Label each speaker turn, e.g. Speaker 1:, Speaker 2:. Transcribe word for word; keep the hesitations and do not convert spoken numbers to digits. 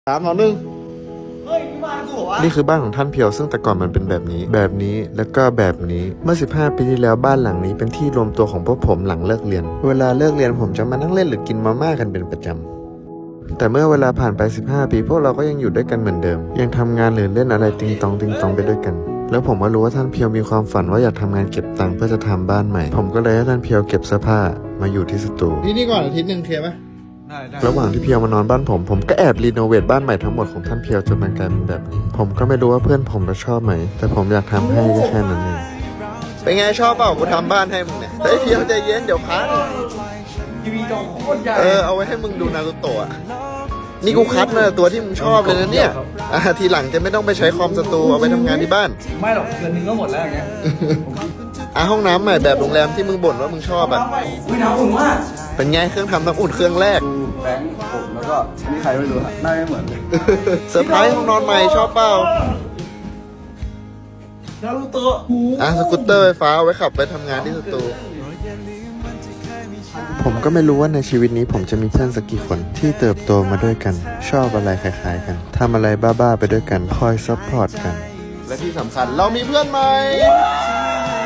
Speaker 1: สามสองหนึ่ง
Speaker 2: นี่คือบ้านของท่านเพียวซึ่งแต่ก่อนมันเป็นแบบนี้แบบนี้แล้วก็แบบนี้เมื่อสิบห้าปีที่แล้วบ้านหลังนี้เป็นที่รวมตัวของพวกผมหลังเลิกเรียนเวลาเลิกเรียนผมจะมานั่งเล่นหรือกินมาม่ากันเป็นประจำแต่เมื่อเวลาผ่านไปสิบห้าปีพวกเราก็ยังอยู่ด้วยกันเหมือนเดิมยังทำงานหรือเล่นอะไรติงตองติงตองไปด้วยกันแล้วผมก็รู้ว่าท่านเพียวมีความฝันว่าอยากทำงานเก็บตังค์เพื่อจะทำบ้านใหม่ผมก็เลยให้ท่านเพียวเก็บเสื้อผ้ามาอยู่ที่สตู
Speaker 1: ที่นี่ก่อนอาทิตย์หนึ่งเคลียร์ปะ
Speaker 2: ระหว่างที่เพียวมานอนบ้านผมผมก็แอบรีโนเวทบ้านใหม่ทั้งหมดของท่านเพียวจนมันกลายเป็นแบบนี้ผมก็ไม่รู้ว่าเพื่อนผมจะชอบไหมแต่ผมอยากทำให้ก็แค่นั้นเองเป็นไงชอบเปล่ากูทำบ้านให้มึงเนี่ยเฮ้ยเพียวใจเย็นเดี๋ยวพัง
Speaker 3: ทีวีจอโคตรใหญ่
Speaker 2: เออเอาไว้ให้มึงดูนารูโตะนี่กูคัดมาตัวที่มึงชอบเลยนะเนี่ยอ่ะทีหลังจะไม่ต้องไปใช้คอมสตูเอาไปทำงานที่บ้าน
Speaker 3: ไม่หรอกเดือนนึงก็หมดแล้วอย่างเงี้ย
Speaker 2: อ่ะห้องน้ำใหม่แบบโรงแรมที่มึงบ่นว่ามึงชอบอ่ะ
Speaker 3: อุ้ยน้ำอุ่นมาก
Speaker 2: เป็นไงเครื่องทำน้ำอุ่นเครื่องแรก
Speaker 3: ดูแบงค์ผมแล้วก็นี่ใครไม่รู้ฮะหน้าไม่เหมือนเลย
Speaker 2: เซอร์ไพรส์ห้องนอนใหม่ชอบเปล่า
Speaker 3: นารูโตะ
Speaker 2: อ่ะสกูตเตอร์ไฟฟ้าเอาไว้ขับไปทำงานที่สตูผมก็ไม่รู้ว่าในชีวิตนี้ผมจะมีเพื่อนสักกี่คนที่เติบโตมาด้วยกัน ชอบอะไรคล้ายๆกันทำอะไรบ้าๆไปด้วยกันคอยซัพพอร์ตกันและที่สำคัญเรามีเพื่อนใหม่